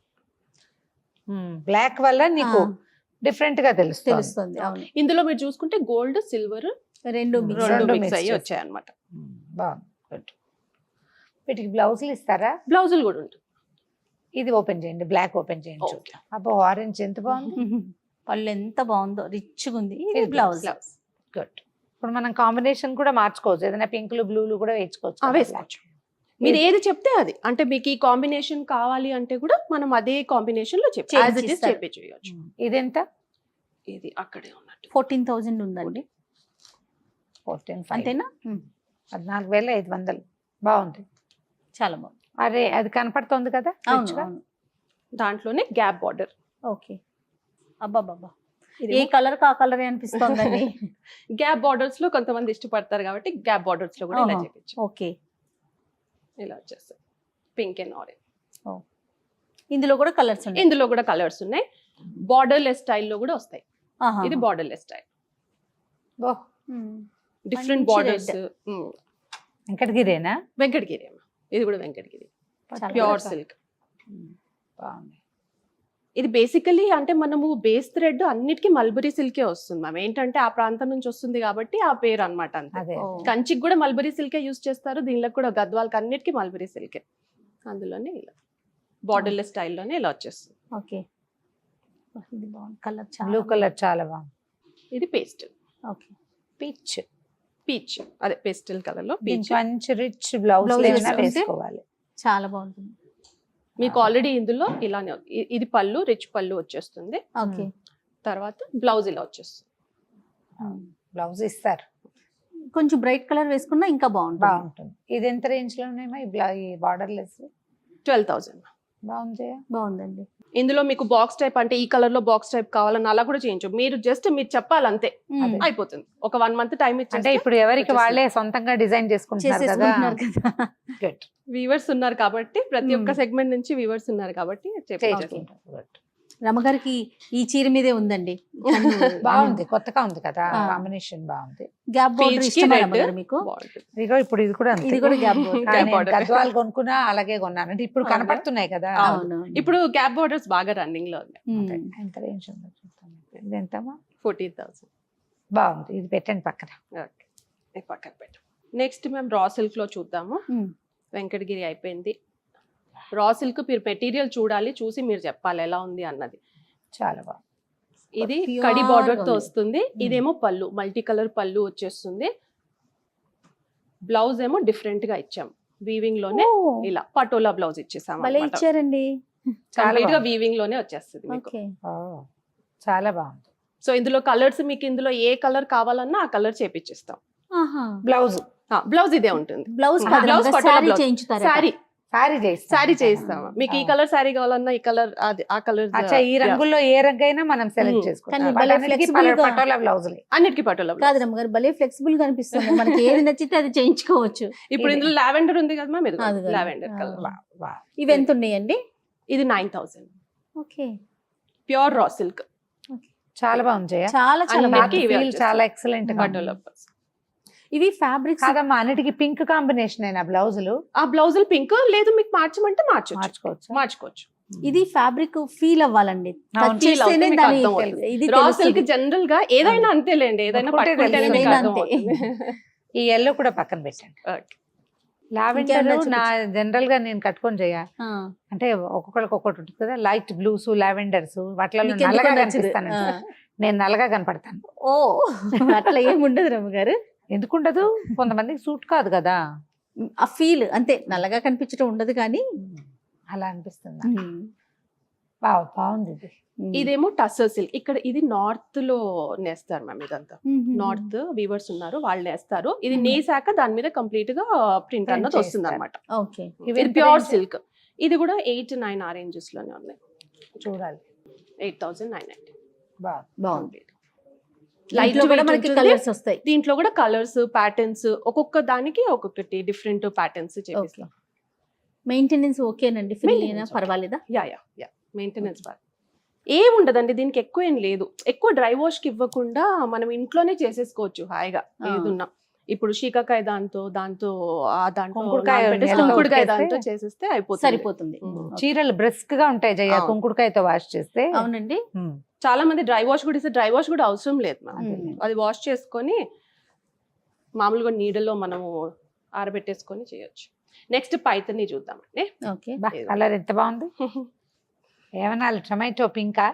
B: బ్లాక్ వల్ల నీకు
A: ఆ,
B: డిఫరెంట్ గా తెలుస్తుంది.
A: తెలుస్తుంది. అవును,
C: ఇందులో మీరు చూసుకుంటే గోల్డ్ సిల్వర్
A: రెండు
B: Hmm.
A: mix.
C: రెండు
B: రెండు
C: మిక్స్
B: mix
C: అయ్యి
B: చేసి.
C: వచ్చాయి అనమాట.
B: Hmm. బాగుంది. గుడ్. వీటికి బ్లౌజులు ఇస్తారా?
C: బ్లౌజులు కూడా ఉంటుంది.
B: ఇది ఓపెన్ చేయండి, బ్లాక్ ఓపెన్ చేయండి.
C: Okay.
B: చూద్దాం. అబ్బో, ఆరెంజ్ ఎంత బాగుంది.
A: పళ్ళు ఎంత బాగుందో, రిచ్గా ఉంది. ఇది
B: ఇది
A: బ్లౌజ్.
C: Blouse.
B: గుడ్. ఇప్పుడు మనం కాంబినేషన్ కూడా మార్చుకోవచ్చు, ఏదైనా పింకులు బ్లూలు కూడా వేసుకోవచ్చు
C: ఆ,
B: కదా.
C: వేసుకోవచ్చు. మీరు ఏది చెప్తే అది, అంటే మీకు ఈ కాంబినేషన్ కావాలి అంటే కూడా మనం అదే కాంబినేషన్ లో చెప్పి
A: చేసి
C: యాజ్ ఇట్ ఇస్
A: ఇస్తారు.
C: చేపించవచ్చు.
B: Hmm. ఇదెంత?
C: ఇది అక్కడే ఉన్నట్టు.
A: ఫోర్టీన్ థౌజండ్ ఉందండి,
B: ఫోర్టీన్
A: అంతేనా?
B: పద్నాలుగు వేల ఐదు వందలు. బాగుంది.
A: చాలా బాగుంది.
B: అరే, అది కనపడుతుంది కదా
A: అవును
B: రిచ్గా.
A: అవును.
C: దాంట్లోనే గ్యాప్ బార్డర్.
A: ఓకే. అబ్బాబాబా, ఏ కలర్ కా కలర్ అనిపిస్తోందండి.
C: గ్యాప్ బార్డర్స్ లో కొంతమంది ఇష్టపడతారు కాబట్టి గ్యాప్ బార్డర్స్ లో కూడా ఇలా
A: ఆహా.
C: చేపించు.
A: ఓకే.
C: ఇలా వచ్చేస్తాయి పింక్ అండ్ ఆరెంజ్.
A: ఇందులో కూడా కలర్స్ ఉన్నాయి.
C: ఇందులో కూడా కలర్స్ ఉన్నాయి. బార్డర్ లెస్ స్టైల్లో కూడా వస్తాయి.
A: ఆహా.
C: ఇది borderless style,
B: oh,
A: um.
C: Different
A: మంచి
C: బార్డర్స్.
B: వెంకటగిరేనా?
C: వెంకటగిరి అమ్మ, ఇది కూడా వెంకటగిరి
A: చాలా
C: ప్యూర్
A: బాగుంది.
C: సిల్క్.
B: బాగుంది.
C: ఇది బేసికలీ అంటే మనము బేస్ థ్రెడ్ అన్నిటికీ మల్బరీ సిల్కే వస్తుంది మ్యామ్. ఏంటంటే ఆ ప్రాంతం నుంచి వస్తుంది కాబట్టి ఆ పేరు అన్నమాట అంతే.
B: అదే.
A: ఓ.
C: కంచికి కూడా మల్బరీ సిల్కే యూస్ చేస్తారు, దీనిలో కూడా గద్వాలకి అన్నిటికీ మల్బరీ సిల్కే. అందులోనే ఇలా బార్డర్లెస్ స్టైల్లోనే ఇలా వచ్చేస్తుంది.
A: ఓకే. ఇది బాగుంది కలర్, చాలా
B: బ్లూ కలర్ చాలా బాగుంది.
C: ఇది పేస్ట్
A: ఓకే.
B: పీచ్.
C: పీచ్, అదే పేస్టల్ కలర్ లో
B: దీనికి
C: పీచ్.
B: మంచి రిచ్ బ్లౌజ్
A: Blouse
B: ఏమైనా
A: వేసుకుంటే?
B: వేసుకోవాలి.
A: చాలా బాగుంటుంది.
C: మీకు ఆల్రెడీ ఇందులో ఇలానే ఇ- ఇది పళ్ళు, రిచ్ పళ్ళు వచ్చేస్తుంది.
A: ఓకే.
C: తర్వాత బ్లౌజ్ ఇలా వచ్చేస్తుంది.
B: బ్లౌజ్ ఇస్తారు,
A: కొంచెం బ్రైట్ కలర్ వేసుకున్నా ఇంకా బాగుంటుంది.
B: బాగుంటుంది. ఇది ఎంత రేంజ్ లో ఉన్నాయమ్మా ఈ బ్లా ఈ బార్డర్లెస్?
C: Twelve thousand.
B: బాగుంది.
A: బాగుందండి.
C: ఇందులో మీకు బాక్స్ టైప్ అంటే ఈ కలర్ లో బాక్స్ టైప్ కావాలని అలా కూడా చేయించు. మీరు జస్ట్ మీరు చెప్పాలంతే,
A: మ్మ్.
C: అయిపోతుంది. ఒక వన్ మంత్ టైం
B: అంటే
C: ఇచ్చేస్తే
B: ఇప్పుడు ఎవరికి
C: వచ్చేస్తుంది.
B: వాళ్ళే సొంతంగా డిజైన్ చేసుకుంటున్నారు కదా.
A: చేసేసుకుంటున్నారు కదా.
B: Good.
C: వీవర్స్ ఉన్నారు కాబట్టి, ప్రతి ఒక్క
A: మ్మ్.
C: సెగ్మెంట్ నుంచి వీవర్స్ ఉన్నారు కాబట్టి చేయించేస్తాం.
B: చేసుకుంటారు. Good.
A: రమగారికి ఈ చీర మీదే ఉందండి.
B: బాగుంది, కొత్తగా ఉంది కదా,
A: ఆ.
B: కాంబినేషన్ బాగుంది.
A: గ్యాప్ బోర్డర్
C: Peach కి
A: ఇష్టమా
C: red.
A: రమగారు మీకు?
C: బాగుంటుంది.
B: ఇదిగో ఇప్పుడు ఇది కూడా అంతే.
A: ఇది కూడా గ్యాప్ బోర్డర్.
B: ఆ,
C: Gap
B: నేను
C: border.
B: గద్వాలు కొనుక్కున్నా అలాగే కొన్నాను. అంటే ఇప్పుడు
A: అవునా?
B: కనపడుతున్నాయి కదా.
A: అవును.
C: ఇప్పుడు గ్యాప్ బోర్డర్స్ బాగా రన్నింగ్ లో ఉన్నాయి.
B: అంతే.
A: మ్మ్.
B: ఎంత రేంజ్ ఉందో చూద్దాం. ఇది ఎంతమ్మా?
C: Fourteen thousand.
B: బాగుంది, ఇది పెట్టండి పక్కన.
C: ఓకే, పక్కన పెట్టు. నెక్స్ట్ మేము రా సిల్క్ లో చూద్దాము.
A: మ్మ్.
C: వెంకటగిరి అయిపోయింది. రా సిల్క్ మీరు మెటీరియల్ చూడాలి, చూసి మీరు చెప్పాలి ఎలా ఉంది అన్నది.
B: చాలా బాగుంది.
C: ఇది
A: Pure
C: కడి బార్డర్ తో
A: ఉంది.
C: వస్తుంది. ఇదేమో పళ్ళు, మల్టీ కలర్ పళ్ళు వచ్చేస్తుంది. బ్లౌజ్ ఏమో డిఫరెంట్ గా ఇచ్చాం, వీవింగ్ లోనే
A: ఓ,
C: ఇలా పటోలా బ్లౌజ్ ఇచ్చేసాం.
A: భలే ఇచ్చారండి.
B: చాలా
C: కంప్లీట్ గా
B: బాగుంది.
C: వీవింగ్ లోనే వచ్చేస్తుంది మీకు.
A: ఓకే.
B: ఓ, చాలా బాగుంది.
C: సో ఇందులో కలర్స్ మీకు ఇందులో ఏ కలర్ కావాలన్నా ఆ కలర్ చేపించేస్తాం.
A: ఆహా.
B: బ్లౌజ్
C: బ్లౌజ్ ఇదే ఉంటుంది.
A: బ్లౌజ్
C: ఆ,
A: కాదు,
C: బ్లౌజ్
A: రమగా
C: పటోలా
A: శారీ
C: బ్లౌజ్.
A: చేయించుతారు.
C: శారీ
B: సారీ చేయిస్తాం.
C: శారీ చేయిస్తాము. మీకు ఈ
B: ఆ.
C: కలర్ శారీ కావాలన్నా ఈ కలర్ అది ఆ కలర్
B: అచ్చా, ఈ రంగుల్లో ఏ రంగు అయినా మనం సెలెక్ట్
C: మ్మ్.
B: చేసుకుంటాం.
A: కానీ భలే
B: వాటన్నిటికీ
A: flexible గా-
B: పటోలా బ్లౌజులే.
C: అన్నిటికీ పటోలా
A: కాదు
C: బ్లౌజ్.
A: రమగారు, భలే ఫ్లెక్సిబుల్ గా అనిపిస్తుంది. మనకి ఏది నచ్చితే అది చేయించుకోవచ్చు.
C: ఇప్పుడు
B: ఇది.
C: ఇందులో లావెండర్ ఉంది కదా మ్యామ్, ఇది
A: అది కదా.
C: లావెండర్
A: ఆ.
C: కలర్.
B: వా, వా.
A: ఇవి ఎంత ఉన్నాయండి?
C: ఇది nine thousand.
A: Okay.
C: Pure raw silk
B: చాలా బాగుంది జయ.
A: చాలా చాలా
C: అన్ని-
A: బాగుంది.
C: ఇవే
B: Feel
C: వచ్చేస్తాయి.
B: చాలా ఎక్సలెంట్ గా ఉంది.
C: పటోలా బ్లౌజ్.
A: ఇవి ఫ్యాబ్రిక్స్
B: కాదమ్మా, అన్నిటికీ పింక్ కాంబినేషన్ అయినా బ్లౌజులు
C: ఆ బ్లౌజులు పింక్ లేదు, మీకు మార్చమంటే మార్చొచ్చు,
B: మార్చుకోవచ్చు.
C: మార్చుకోవచ్చు.
A: ఇది ఫ్యాబ్రిక్ ఫీల్ అవ్వాలండి.
B: అవును,
A: Touch
C: feel అవుతే
A: చేస్తేనే
C: మీకు
A: దాని
C: అర్థం అవుతుంది.
A: ఇది
C: రా
A: తెలుస్తుంది.
C: సిల్క్ జనరల్ గా ఏదైనా అంతేలేండి, ఏదైనా
B: ముట్టుకుంటే
C: పట్టుకుంటేనే
B: తెలుస్తుంది.
C: మీకు
A: ఏదైనా
C: అర్థం
A: అంతే.
C: అవుతుంది.
B: ఈ ఎల్లో కూడా పక్కన పెట్టండి.
C: Okay.
B: లావెండర్
A: ఇంకేమన్నా
B: నా జనరల్ గా నేను కట్టుకొని చేయ
A: ఆ.
B: అంటే ఒక్కొక్కరికి ఒక్కొక్కటి ఉంటుంది కదా, లైట్ బ్లూస్ లావెండర్స్ వాటిలో
A: మీకు ఎందుకో
B: నల్లగా
A: నచ్చదు.
B: కనిపిస్తాను.
A: ఆ.
B: నేను నల్లగా కనపడతాను.
A: ఓ, అట్లా ఏముండదు రమగారు.
B: ఎందుకుండదు, కొంతమందికి సూట్ కాదు కదా.
A: ఆ ఫీల్ అంతే, నల్లగా కనిపించడం ఉండదు కానీ.
B: అలా అనిపిస్తుంది. బాగా బాగుంది ఇది.
C: ఇదేమో టస్సర్ సిల్క్. ఇక్కడ ఇది నార్త్ లో నేస్తారు మ్యామ్. ఇదంతా నార్త్ వీవర్స్ ఉన్నారు, వాళ్ళు నేస్తారు. ఇది
A: Mhm.
C: నేసాక దాని మీద కంప్లీట్ గా ప్రింట్
B: Print
C: అన్నది వస్తుంది
B: చేస్తారు.
C: అనమాట.
A: ఓకే.
B: ఇవి
C: ఇది
B: ఎంత
C: ప్యూర్
B: range?
C: సిల్క్. ఇది కూడా ఎయిట్ నైన్ ఆ రేంజెస్ లోనే ఉన్నాయి.
B: చూడాలి.
C: Eight thousand nine ninety.
B: బాగా
A: బాగుంది.
C: లైట్
A: లైట్ కూడా మనకి కలర్స్ వస్తాయి.
C: దీంట్లో కూడా కలర్స్, ప్యాటర్న్స్, ఒక్కొక్క దానికి ఒక్కొక్కటి డిఫరెంట్ ప్యాటర్న్స్ చేపిస్తాం.
A: మెయింటెనెన్స్ ఓకేనండి, ఫ్రీ అయినా
C: Maintenance okay.
A: పర్వాలేదా?
C: యా యా యా మెయింటెనెన్స్ బాగా ఏం ఉండదండి దీనికి, ఎక్కువ ఏం లేదు. ఎక్కువ డ్రై వాష్ కి ఇవ్వకుండా మనం ఇంట్లోనే చేసేసుకోవచ్చు హాయిగా
A: ఆ.
C: ఏదున్నా. ఇప్పుడు శీకాకాయ దాంతో దాంతో ఆ దాంట్లో
B: కుంకుడుకాయ
C: నానబెట్టేసి
B: నెలలో
C: కుంకుడుకాయ
B: ఉతికేస్తే
C: దాంతో చేసేస్తే అయిపోతుంది.
A: సరిపోతుంది.
C: ఉమ్.
A: ఓకే.
B: చీరలు బ్రిస్క్ గా ఉంటాయి జయ,
C: అవును.
B: కుంకుడుకాయతో వాష్ చేస్తే.
A: అవునండి.
B: ఉమ్.
C: చాలా మంది డ్రై వాష్ కూడా ఇస్తే డ్రై వాష్ కూడా అవసరం లేదు మ్యామ్.
A: ఉమ్.
C: అది వాష్ చేసుకొని మామూలుగా నీడలో మనము ఆరబెట్టేసుకొని చేయొచ్చు. నెక్స్ట్ పైతని చూద్దామండి.
A: ఓకే.
B: బా, కలర్ ఎంత బాగుంది. ఏమన్నా టొమాటో పింకా?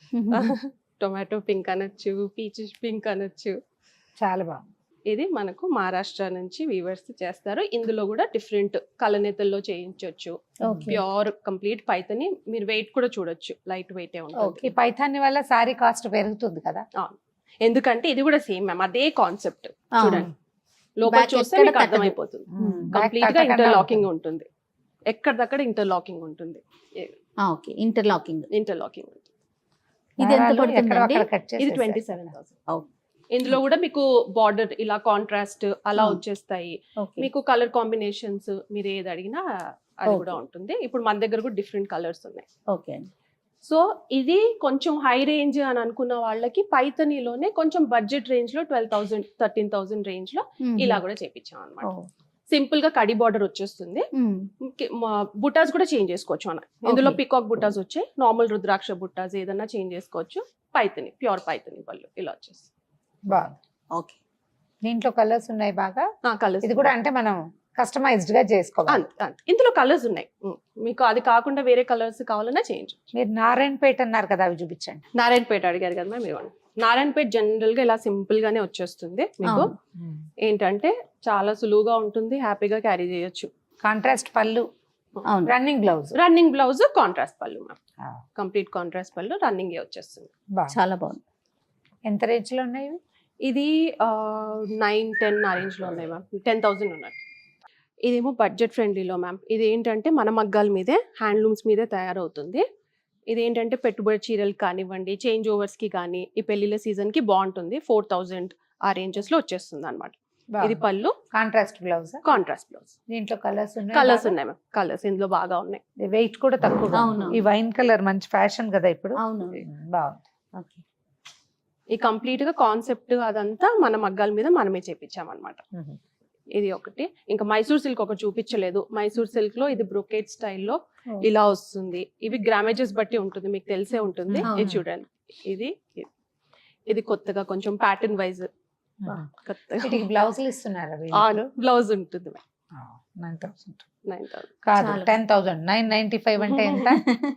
C: టొమాటో పింక్ అనొచ్చు, పీచ్ పింక్ అనొచ్చు.
B: చాలా బాగుంది.
C: ఇది మనకు మహారాష్ట్ర నుంచి వీవర్స్ చేస్తారు. ఇందులో కూడా డిఫరెంట్ కలనేతల్లో చేయించవచ్చు.
A: ఓకే.
C: Pure complete Paithani. మీరు వెయిట్ కూడా చూడొచ్చు, లైట్ వెయిట్ ఉంటుంది.
A: ఓకే.
B: ఈ పైథాన్ని వల్ల సారీ కాస్ట్ పెరుగుతుంది కదా.
C: ఎందుకంటే ఇది కూడా సేమ్ మ్యామ్, అదే కాన్సెప్ట్.
A: ఆ.
C: చూడండి లోపల
A: Back
C: చూస్తే
A: ఎక్కడ
C: మీకు
A: తగ్గదు.
C: అర్థమైపోతుంది.
A: ఉమ్.
C: కంప్లీట్ గా ఇంటర్లాకింగ్ ఉంటుంది. ఎక్కడిదక్కడ ఇంటర్లాకింగ్ ఉంటుంది.
A: ఆ, ఓకే. ఇంటర్లాకింగ్.
C: ఇంటర్లాకింగ్ ఉంటుంది.
A: ఇది ఎంత పడుతుందండి?
C: ఇది ట్వంటీ సెవెన్ థౌసండ్.
A: ఓకే.
C: ఇందులో కూడా మీకు బార్డర్ ఇలా కాంట్రాస్ట్ అలా
A: Hmm.
C: వచ్చేస్తాయి.
A: ఓకే.
C: మీకు కలర్ కాంబినేషన్స్ మీరు ఏది అడిగినా అది
A: Okay.
C: కూడా ఉంటుంది. ఇప్పుడు మన దగ్గర కూడా డిఫరెంట్ కలర్స్ ఉన్నాయి.
A: ఓకే అండి.
C: సో ఇది కొంచెం హై రేంజ్ అని అనుకున్న వాళ్ళకి పైతనీలోనే కొంచెం బడ్జెట్ రేంజ్ లో twelve thousand thirteen thousand range లో
A: ఉమ్.
C: ఇలా కూడా చేపించాం అనమాట.
A: ఓ.
C: సింపుల్ గా కడి బార్డర్ వచ్చేస్తుంది.
A: ఉమ్.
C: బుటాస్ కూడా చేంజ్ చేసుకోవచ్చు అన్న. ఇందులో
A: Okay.
C: పికాక్ బుటాస్ వచ్చాయి, నార్మల్ రుద్రాక్ష బుటాస్ ఏదన్నా చేంజ్ చేసుకోవచ్చు. పైతని ప్యూర్ పైతని పళ్ళు ఇలా వచ్చేసి
B: బాగుంది.
A: ఓకే.
B: దీంట్లో కలర్స్ ఉన్నాయి బాగా.
C: కలర్స్
B: ఇది కూడా అంటే మనం కస్టమైజ్డ్ గా చేసుకోవాలి.
C: అంతే అంతే. ఇందులో కలర్స్ ఉన్నాయి. ఉమ్. మీకు అది కాకుండా వేరే కలర్స్ కావాలన్నా చేంజ్.
B: మీరు నారాయణపేట అన్నారు కదా, అవి చూపించండి.
C: నారాయణపేట అడిగారు కదా మీరు. నారాయణపేట జనరల్ గా ఇలా సింపుల్ గానే వచ్చేస్తుంది మీకు.
A: అవును.
C: ఏంటంటే చాలా సులువుగా ఉంటుంది, హ్యాపీగా క్యారీ చేయొచ్చు.
B: కాంట్రాస్ట్ పళ్ళు,
A: అవును.
B: Running blouse
C: running blouse contrast పళ్ళు మ్యామ్, కంప్లీట్ కాంట్రాస్ట్ పళ్ళు రన్నింగ్ వచ్చేస్తుంది.
A: చాలా బాగుంది.
B: ఎంత రేంజ్ లో ఉన్నాయి ఇవి?
C: ఇది నైన్ టెన్ ఆ రేంజ్ లో ఉన్నాయి మ్యామ్, టెన్ థౌసండ్ ఉన్నాయి. ఇదేమో బడ్జెట్ ఫ్రెండ్లీలో మ్యామ్. ఇది ఏంటంటే మన మగ్గాల మీదే హ్యాండ్లూమ్స్ మీదే తయారవుతుంది. ఇది ఏంటంటే పెట్టుబడి చీరలు కానివ్వండి, చేంజ్ ఓవర్స్ కి కానీ, ఈ పెళ్లిళ్ళ సీజన్ కి బాగుంటుంది. ఫోర్ థౌజండ్ ఆ రేంజెస్ లో వచ్చేస్తుంది అనమాట. ఇది పళ్ళు,
B: కాంట్రాస్ట్ బ్లౌజ్,
C: కాంట్రాస్ట్ బ్లౌజ్.
B: దీంట్లో కలర్స్ ఉన్నాయి,
C: కలర్స్ ఉన్నాయి మ్యామ్, కలర్స్ ఇందులో బాగా ఉన్నాయి.
B: వెయిట్ కూడా తక్కువ.
A: అవును.
B: ఈ వైన్ కలర్ మంచి ఫ్యాషన్ కదా ఇప్పుడు.
A: అవును.
B: బాగుంది.
A: ఓకే.
C: ఈ కంప్లీట్ గా కాన్సెప్ట్ అదంతా మన మగ్గాల మీద మనమే చేపించాం అనమాట. ఇది ఒకటి. ఇంకా మైసూర్ సిల్క్ ఒకటి చూపించలేదు. మైసూర్ సిల్క్ లో ఇది బ్రొకేట్ స్టైల్లో ఇలా వస్తుంది. ఇవి గ్రామేజెస్ బట్టి ఉంటుంది, మీకు తెలిసే ఉంటుంది. ఇది చూడండి, ఇది ఇది. ఇది కొత్తగా కొంచెం ప్యాటర్న్ వైజ్ కొత్తగా
B: బ్లౌజులు ఇస్తున్నారా?
C: బ్లౌజ్ ఉంటుంది
B: నైన్ థౌసండ్
C: నైన్ థౌసండ్
B: కాదు, ten thousand nine ninety five అంటే ఎంత?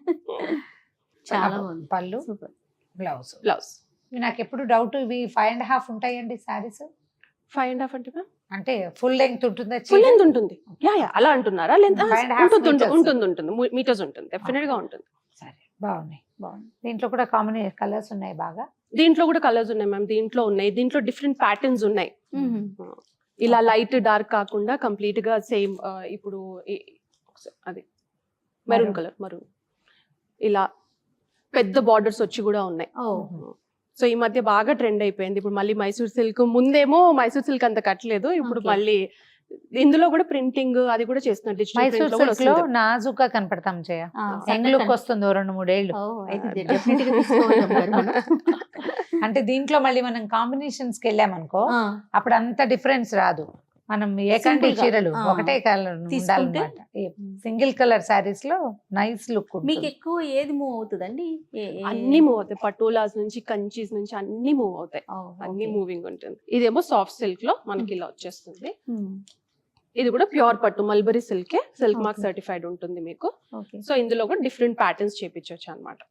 A: చాలా బాగుంది.
B: పళ్ళు, బ్లౌజ్.
C: బ్లౌజ్
B: నాకు ఎప్పుడు డౌట్, ఇవి ఫైవ్ అండ్ హాఫ్ ఉంటాయండి సారీస్?
C: ఫైవ్ అండ్ హాఫ్ అంటే
B: అంటే ఫుల్ లెంగ్త్ ఉంటుందా?
C: ఫుల్ లెంగ్త్ ఉంటుంది. యా యా అలా అంటున్నారా? Length
B: Five and a half
C: ఉంటుంది
B: meters.
C: ఉంటుంది ఉంటుంది మీటర్స్ ఉంటుంది, డెఫినెట్ గా ఉంటుంది.
B: సరే, బాగున్నాయి. బాగుంది. దీంట్లో కూడా కాంబినేషన్ కలర్స్ ఉన్నాయి బాగా.
C: దీంట్లో కూడా కలర్స్ ఉన్నాయి మ్యామ్, దీంట్లో ఉన్నాయి. దీంట్లో డిఫరెంట్ ప్యాటర్న్స్ ఉన్నాయి.
A: మ్మ్.
C: ఇలా లైట్ డార్క్ కాకుండా కంప్లీట్ గా సేమ్. ఇప్పుడు ఈ- అది మెరూన్
B: Maroon.
C: Colour, maroon. ఇలా పెద్ద బార్డర్స్ వచ్చి కూడా ఉన్నాయి.
A: ఓ
C: సో ఈ మధ్య బాగా ట్రెండ్ అయిపోయింది. ఇప్పుడు మళ్ళీ మైసూర్ సిల్క్, ముందేమో మైసూర్ సిల్క్ అంత కట్టలేదు, ఇప్పుడు
A: Okay.
C: మళ్ళీ ఇందులో కూడా ప్రింటింగ్ అది కూడా చేస్తున్నారు. డిజిటల్
B: మైసూర్
C: ప్రింట్ లో కూడా
B: సిల్క్ లో
C: వస్తుంది.
B: నాజుకా కనపడతాం చేయ
A: ఆ,
B: యంగ్ లుక్ వస్తుంది ఓ రెండు మూడేళ్ళు.
A: ఓ, అయితే definitely గా తీసుకోవాలి అమ్మగారు మనం.
B: అంటే దీంట్లో మళ్ళీ మనం కాంబినేషన్స్ కి వెళ్ళామనుకో
A: ఆ,
B: అప్పుడు అంత డిఫరెన్స్ రాదు. మనం ఏకంటి
A: Simple గా,
B: చీరలు
A: ఆ.
B: ఒకటే కలర్
A: తీసుకుంటే?
B: ఉండాలన్నమాట. సింగిల్ కలర్ సారీస్ లో నైస్ లుక్
A: మీకు ఎక్కువ ఏది మూవ్ అవుతుందండి? ఏ- ఏ-
C: అన్ని మూవ్ అవుతాయి. పటోలాస్ నుంచి, కంచీస్ నుంచి అన్ని మూవ్ అవుతాయి.
A: ఓ,
C: అన్ని
A: okay.
C: మూవింగ్ ఉంటుంది. ఇదేమో సాఫ్ట్ సిల్క్ లో మనకి ఇలా వచ్చేస్తుంది.
A: మ్మ్.
C: ఇది కూడా ప్యూర్ పట్టు మల్బరీ సిల్కే, సిల్క్ మార్క్
A: Okay.
C: సర్టిఫైడ్ ఉంటుంది మీకు.
A: ఓకే.
C: సో ఇందులో కూడా డిఫరెంట్ ప్యాటర్న్స్ చేపించవచ్చు అనమాట.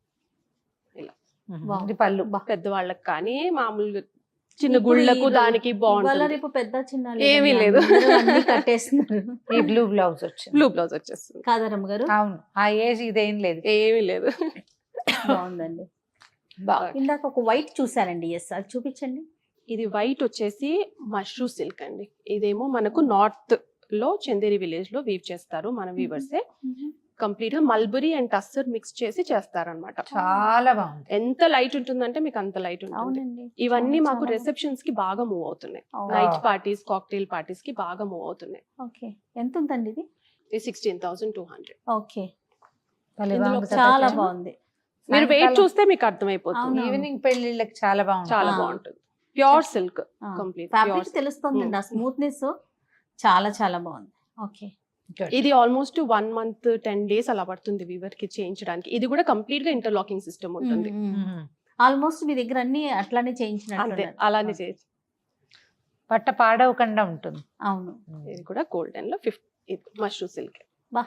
B: ఇది పళ్ళు.
C: పెద్దవాళ్ళకి కానీ మామూలుగా చిన్న
A: ఇప్పుడు
C: గుళ్ళకు
A: ఈ
C: దానికి
A: ఇవాళ
C: బాగుంటుంది.
A: రేపు పెద్ద చిన్న
C: ఏమీ
A: లేదండి,
C: లేదు.
A: అందరూ అన్ని కట్టేస్తున్నారు.
B: ఈ బ్లూ బ్లౌజ్ వచ్చింది.
C: బ్లూ బ్లౌజ్ వచ్చేస్తుంది.
A: కాదరమ్మ గారు,
B: అవును, ఆ ఏజ్ ఇదేం లేదు.
C: ఏమీ లేదు.
A: బాగుందండి. ఇందాక ఒక వైట్ చూసానండి, ఎస్ అది చూపించండి.
C: ఇది వైట్ వచ్చేసి మష్రూ సిల్క్ అండి. ఇదేమో మనకు నార్త్ లో చందేరి విలేజ్ లో వీవ్ చేస్తారు మన వీవర్సే. కంప్లీట్ గా మల్బరీ అండ్ టస్సర్ మిక్స్ చేసి చేస్తారనమాట.
B: చాలా బాగుంది.
C: ఎంత లైట్ ఉంటుందంటే మీకు అంత లైట్ ఉంటుంది.
A: అవునండి.
C: ఇవన్నీ
A: చాలా,
C: మాకు
A: చాలా
C: రిసెప్షన్స్ కి బాగా మూవ్ అవుతున్నాయి.
A: అవును.
C: నైట్ పార్టీస్, కాక్టైల్ పార్టీస్ కి బాగా మూవ్ అవుతున్నాయి.
A: ఓకే. ఎంత ఉందండి ఇది?
C: ఇది sixteen thousand two hundred.
A: Okay.
B: భలే
C: ఇందులో
B: బాగుంది కదా
A: చాలా
B: కొంచెం.
A: బాగుంది.
C: మీరు వెయిట్
B: సాయంకాలం
C: చూస్తే మీకు అర్థమైపోతుంది.
A: అవును.
B: ఈవినింగ్ పెళ్లిళ్ళకి చాలా బాగుంది.
C: చాలా
A: ఆ.
C: బాగుంటుంది. Pure silk complete.
A: ఫ్యాబ్రిక్ తెలుస్తుందండి, ఆ స్మూత్నెస్ చాలా చాలా బాగుంది. ఓకే.
B: Good.
C: ఇది almost one month ten days అలా పడుతుంది వీవర్ కి చేయించడానికి. ఇది కూడా కంప్లీట్ గా ఇంటర్లాకింగ్ సిస్టమ్ ఉంటుంది.
B: మ్మ్.
A: ఆల్మోస్ట్ మీ దగ్గర అన్ని అట్లానే
C: అంతే,
A: చేయించినట్టు.
C: అలానే చేయొచ్చు.
B: బట్ట పాడవకుండా ఉంటుంది.
A: అవును.
C: ఇది కూడా గోల్డెన్ లో ఫిఫ్టీ మష్రూ సిల్క్.
A: బా,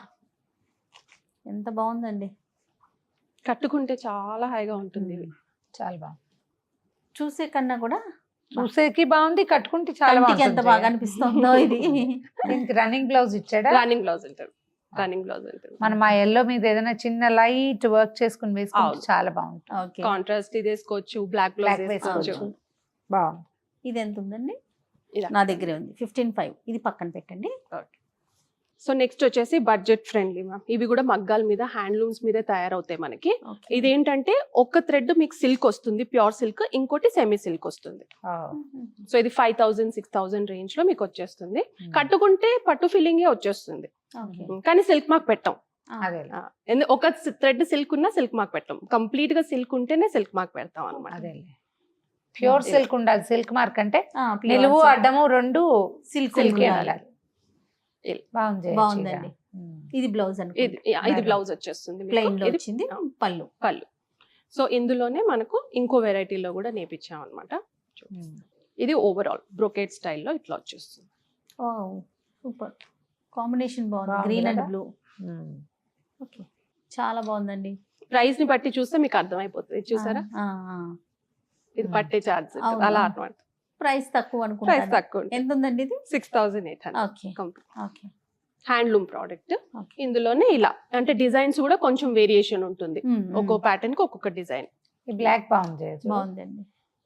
A: ఎంత బాగుందండి.
C: కట్టుకుంటే చాలా హాయిగా ఉంటుంది. ఇది
B: చాలా బాగుంది.
A: చూసే కన్నా కూడా
B: చూసేకి బాగుంది, కట్టుకుంటే చాలా
A: కంటికి ఎంత
B: బాగుంటుంది.
A: బాగా అనిపిస్తుందో ఇది.
B: దీనికి రన్నింగ్ బ్లౌజ్ ఇచ్చాడా?
C: రన్నింగ్ బ్లౌజ్ ఉంటుంది. రన్నింగ్ బ్లౌజ్ ఉంటుంది.
B: మనం ఆ ఎల్లో మీద ఏదైనా చిన్న లైట్ వర్క్ చేసుకుని వేసుకుంటే
C: అవును.
B: చాలా బాగుంటుంది.
A: ఓకే.
C: కాంట్రాస్ట్ ఇది వేసుకోవచ్చు, బ్లాక్
B: బ్లాక్
C: బ్లౌజ్ వేసుకోవచ్చు.
B: వేసుకోవచ్చు. బాగుంది.
A: ఇది ఎంత ఉందండి?
C: ఇలా.
A: నా దగ్గరే ఉంది ఫిఫ్టీన్ ఫైవ్. ఇది పక్కన పెట్టండి.
C: సో నెక్స్ట్ వచ్చేసి బడ్జెట్ ఫ్రెండ్లీ మ్యామ్. ఇవి కూడా మగ్గాల మీద, హ్యాండ్లూమ్స్ మీదే తయారవుతాయి మనకి.
A: ఓకే.
C: ఇదేంటంటే ఒక థ్రెడ్ మీకు సిల్క్ వస్తుంది, ప్యూర్ సిల్క్, ఇంకోటి సెమీ సిల్క్ వస్తుంది.
B: ఓ.
C: సో ఇది five thousand six thousand range లో మీకు వచ్చేస్తుంది. కట్టుకుంటే పట్టు ఫీలింగే వచ్చేస్తుంది,
A: ఓకే.
C: కానీ సిల్క్ మార్క్ పెట్టాం.
B: అదే
C: ఆ, ఎందు- ఒక థ్రెడ్ సిల్క్ ఉన్నా సిల్క్ మార్క్ పెట్టాం. కంప్లీట్ గా సిల్క్ ఉంటేనే సిల్క్ మార్క్ పెడతాం అనమాట.
B: అదే ప్యూర్ సిల్క్ ఉండాలి. సిల్క్ మార్క్ అంటే
A: ఆ, pure
B: నిలువు
A: silk.
B: అడ్డము రెండు
A: సిల్క్
B: సిల్క్
A: ఉండాలి.
B: ఉండాలి. బాగుంది.
A: బాగుందండి. ఇది బ్లౌజ్
C: ఇది
A: అనుకుంటా.
C: యా, ఇది బ్లౌజ్ వచ్చేస్తుంది మీకు.
A: ప్లెయిన్ లో
C: ఇది
A: వచ్చింది పళ్ళు.
C: పళ్ళు. సో ఇందులోనే మనకు ఇంకో వెరైటీలో కూడా నేర్పించాం అనమాట.
B: ఉమ్.
C: ఇది ఓవరాల్ బ్రొకేట్ స్టైల్లో ఇట్లా వచ్చేస్తుంది.
A: ఓ సూపర్ కాంబినేషన్ బాగుంది,
B: బాగుంది
A: గ్రీన్ అండ్
B: కదా?
A: బ్లూ.
B: ఉమ్.
A: ఓకే, చాలా బాగుందండి.
C: ప్రైస్ ని బట్టి చూస్తే మీకు అర్థమైపోతుంది. చూసారా,
A: ఆ, ఆ.
C: ఇది పట్టే చార్జ్
A: అవును.
C: అలా అన్నమాట.
A: ప్రైస్ తక్కువ
C: ప్రైస్
A: అనుకుంటా.
C: తక్కువ
A: ఎంత ఉందండి ఇది?
C: Six thousand eight hundred
A: okay.
C: Complete.
A: Okay.
C: Handloom product.
A: Okay.
C: ఇందులోనే ఇలా అంటే డిజైన్స్ కూడా కొంచెం వేరియేషన్ ఉంటుంది,
A: మ్మ్, మ్మ్.
C: ఒక్కో ప్యాటర్న్ కి ఒక్కొక్క డిజైన్.
B: ఈ బ్లాక్ బాగుంది
A: బాగుందండి.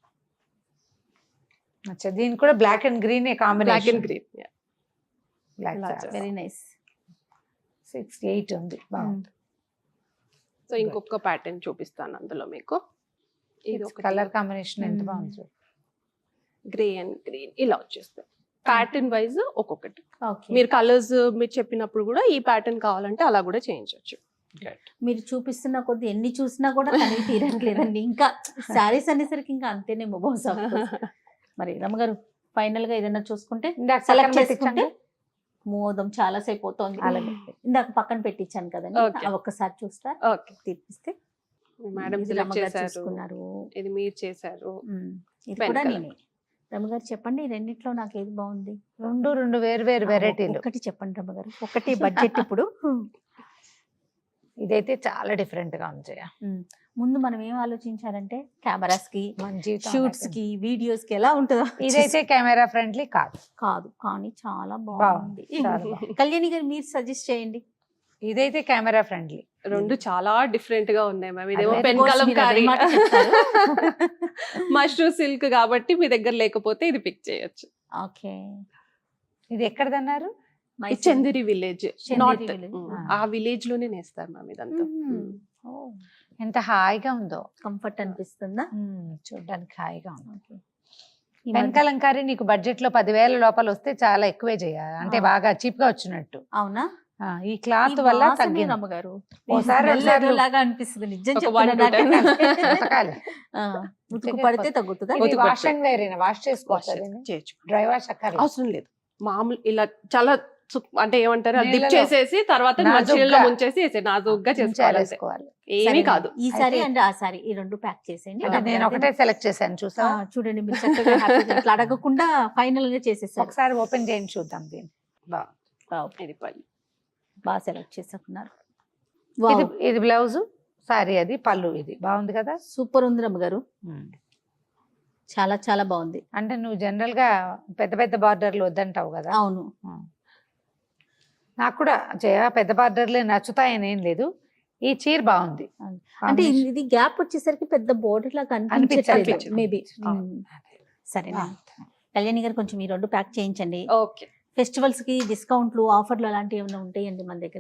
B: అచ్చా, దీనికి కూడా black and green
C: black
B: combination.
C: And green.
B: Black
C: ఇలా
A: వెరీ నైస్.
B: సిక్స్ ఎయిట్ ఉంది, బాగుంది.
C: సో ఇంకొక ప్యాటర్న్ చూపిస్తాను అందులో మీకు. ఇది ఒక
B: కలర్ కాంబినేషన్ ఎంత
A: Mm.
B: బాగుంది.
C: గ్రే అండ్ గ్రీన్ ఇలా వచ్చేస్తాయి. ప్యాటర్న్ వైజ్ ఒక్కొక్కటి.
A: ఓకే.
C: మీరు కలర్స్ మీరు చెప్పినప్పుడు కూడా ఈ ప్యాటర్న్ కావాలంటే అలా కూడా చేయించవచ్చు.
A: మీరు చూపిస్తున్న కొద్ది ఎన్ని చూసినా కూడా తనివి తీరట్లేదండి. ఇంకా శారీస్ అనేసరికి ఇంకా అంతేనేమో బహుశా. మరి రమ్మగారు ఫైనల్ గా ఏదైనా చూసుకుంటే
B: ఇందాక
A: సెలెక్ట్
B: పక్కన
A: చేసుకుంటే
B: పెట్టించండి.
A: మోదం చాలా సేపు అవుతోంది.
B: అలాగే.
A: ఇందాక పక్కన పెట్టించాను కదండి,
C: Okay.
A: అవి ఒక్కసారి చూస్తా
C: ఓకే
A: తీపిస్తే.
C: మేడం
A: ఇది
C: సెలెక్ట్
A: రమ్మగారు
C: చేశారు,
A: చూసుకున్నారు.
C: ఇది మీరు చేశారు.
A: ఉమ్, ఇది
C: Pen
A: కూడా
C: colour.
A: నేనే. రమ్మగారు చెప్పండి, ఈ రెండిట్లో నాకు ఏది బాగుంది?
B: రెండు రెండు వేరు వేరు వెరైటీలు.
A: ఒకటి చెప్పండి రమ్మగారు, ఒకటి బడ్జెట్ ఇప్పుడు.
B: ఇదైతే చాలా డిఫరెంట్ గా ఉంది జయ.
A: ఉమ్, ముందు మనం ఏం ఆలోచించాలంటే కెమెరాస్ కి,
B: మన జీవితం
A: షూట్స్
B: అనేది.
A: కి, వీడియోస్ కి ఎలా ఉంటుందో.
B: ఇదైతే కెమెరా ఫ్రెండ్లీ కాదు.
A: కాదు కానీ చాలా
B: బాగుంది,
A: బాగుంది.
B: చాలా బాగుంది.
A: కళ్యాణి గారు మీరు సజెస్ట్ చేయండి.
B: ఇదైతే కెమెరా ఫ్రెండ్లీ.
C: రెండు చాలా డిఫరెంట్ గా ఉన్నాయి మ్యామ్. ఇదేమో
B: అదే,
C: పెన్
A: of course
C: కలం
A: మీరు అదే
C: కారీ,
A: మాట చెప్తారు.
C: మష్రూమ్ సిల్క్ కాబట్టి మీ దగ్గర లేకపోతే ఇది పిక్ చేయొచ్చు.
A: ఓకే.
B: ఇది ఎక్కడదన్నారు?
C: ఇది Chanderi village,
A: Chanderi
C: north.
A: village.
C: ఆ విలేజ్ లోనే నేస్తారు మ్యామ్ ఇదంతా.
B: ఎంత హాయిగా ఉందో.
A: కంఫర్ట్ అనిపిస్తుందా?
B: ఉమ్, చూడ్డానికి హాయిగా ఉంది.
A: ఓకే. ఈ
B: పెన్
A: మధ్య-
B: కలంకారీ నీకు బడ్జెట్ లో పదివేల లోపల వస్తే చాలా ఎక్కువే చేయాలి, అంటే
A: ఆ.
B: బాగా చీప్ గా వచ్చినట్టు.
A: అవునా?
B: ఆ, ఈ క్లాత్
A: ఈ
B: వల్ల
A: వాసన
B: తగ్గింది.
A: రమ్మగారు
B: ఓసారి
A: smell
B: ఒకసారి
A: ఏదోలాగా అనిపిస్తుంది. నిజం
C: ఒక one
A: చెప్తున్నా
C: to ten.
A: నాకే.
B: ఉతకాలి.
A: ఆ, ఉతుకు పడితే తగ్గుతుందా?
B: ఇది
C: ఉతుకు
B: వాష్
C: పడితే.
B: అండ్ వేర్ వాష్
C: వాష్
B: చేసుకోవచ్చు.
C: చేయొచ్చు.
B: డ్రై వాష్ అక్కర్లేదు.
C: అవసరం లేదు, మామూలు ఇలా చాలా సు- అంటే ఏమంటారు డిప్
B: నీళ్ళలో
C: చేసేసి తర్వాత
B: నాజూగ్గా.
C: మంచినీళ్ళలో ముంచేసి వేసే నాజుగ్గా చేసుకోవాలి. అంతే.
B: చేసుకోవాలి.
C: ఏమీ
A: సరే,
C: కాదు.
A: ఈ సారీ
B: అయితే-
A: అండ్ ఆ సారీ ఈ రెండు ప్యాక్ చేసేయండి.
B: అంటే నేను ఒకటే సెలెక్ట్ చేశాను, చూసా.
A: ఆ, చూడండి మీరు చక్కగా హ్యాపీగా ఇట్లా అడగకుండా ఫైనల్ గా చేసేసారు.
B: ఒకసారి ఓపెన్ చేయండి చూద్దాం దీన్ని.
C: ఇది పళ్ళు.
A: బాగా సెలెక్ట్ చేసుకున్నారు.
B: ఇది ఇది బ్లౌజ్, సారీ అది పళ్ళు. ఇది బాగుంది కదా.
A: సూపర్ ఉంది రమ్మగారు, చాలా చాలా బాగుంది.
B: అంటే నువ్వు జనరల్ గా పెద్ద పెద్ద బార్డర్లు వద్దంటావు కదా.
A: అవును.
B: నాకు కూడా జయ పెద్ద బార్డర్లే నచ్చుతాయని ఏం లేదు, ఈ చీర బాగుంది.
A: అంటే ఇది గ్యాప్ వచ్చేసరికి పెద్ద బోర్డర్ లాగా
B: అనిపించట్లేదు.
A: అనిపించట్లేదు మేబీ.
C: అవును.
A: సరేనా కళ్యాణి గారు, కొంచెం ఈ రెండు ప్యాక్ చేయించండి.
C: ఓకే.
A: ఫెస్టివల్స్ కి డిస్కౌంట్లు, ఆఫర్లు అలాంటివి ఏమైనా ఉంటాయండి మన దగ్గర?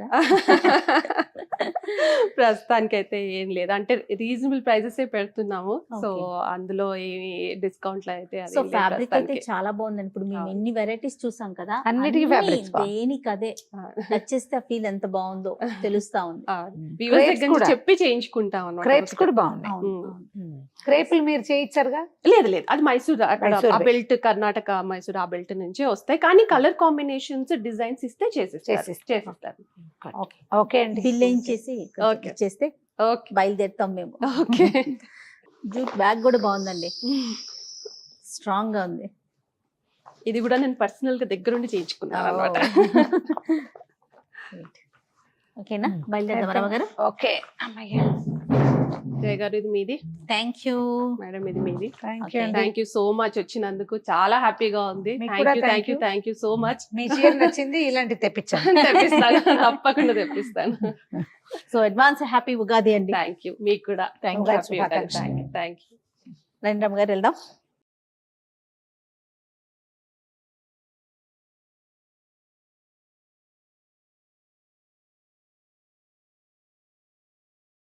C: ప్రస్తుతానికి అయితే ఏం లేదు, అంటే రీజనబుల్ ప్రైజెస్ పెడుతున్నాము. So
A: Okay.
C: అందులో ఏమి డిస్కౌంట్లు అయితే అది
A: సో
C: లేదు
A: ఫ్యాబ్రిక్ అయితే
C: ప్రస్తుతానికి.
A: చాలా బాగుందండి. ఇప్పుడు మేము
C: అవును.
A: ఎన్ని వెరైటీస్ చూసాం కదా,
B: అన్నిటికీ
A: అన్ని
B: fabrics బాగుంది.
A: దేనికి అదే
C: ఆ.
A: నచ్చేస్తే ఆ ఫీల్ ఎంత బాగుందో తెలుస్తా ఉంది.
C: ఆ, viewers
B: Crepes
C: దగ్గర నుంచి
B: కూడా.
C: చెప్పి చేయించుకుంటాం అన్నమాట.
B: క్రేప్స్ కూడా బాగున్నాయి.
A: అవును,
C: ఉమ్.
A: అవును.
B: క్రేపులు మీరు చేయించారుగా.
C: లేదు లేదు, అది మైసూర్ అక్కడ
B: మైసూర్
C: ఆ బెల్ట్, కర్ణాటక మైసూర్ ఆ బెల్ట్ నుంచే వస్తాయి. కానీ కలర్ కాంబినేషన్స్ డిజైన్స్ ఇస్తే చేసిస్తారు.
B: చేసిస్తారు.
C: చేసిస్తారు.
A: ఓకే.
B: ఓకే అండి.
A: బిల్ వేయించేసి
C: Okay.
A: చేస్తే
C: ఓకే.
A: బయలుదేరుతాం మేము.
C: ఓకే.
A: జూట్ బ్యాగ్ కూడా బాగుందండి, స్ట్రాంగ్ గా ఉంది.
C: ఇది కూడా నేను పర్సనల్ గా దగ్గరుండి చేయించుకున్నాను అనమాట.
A: ఓకేనా,
B: Hmm.
A: బయలుదేరదాం రమ గారు.
B: ఓకే అమ్మయ్య.
C: జయ గారు ఇది మీది,
A: థ్యాంక్ యూ.
C: మేడం ఇది మీది.
B: Thank
A: Okay.
B: యూ అండి.
C: థ్యాంక్ యూ సో మచ్ వచ్చినందుకు, చాలా హ్యాపీగా ఉంది.
B: మీకు
C: థ్యాంక్
B: కూడా
C: you
B: thank
C: thank you
B: you.
C: Thank you so much.
B: మీ చీర నచ్చింది, ఇలాంటి తెప్పించాను.
C: తెప్పిస్తాను, తప్పకుండా తెప్పిస్తాను.
A: సో అడ్వాన్స్ హ్యాపీ ఉగాది అండి.
C: Thank you. మీకు కూడా
A: Thank you.
C: హ్యాపీ
B: శుభాకాంక్షలు.
C: Thank you.
A: రండి రమ గారు వెళ్దాం.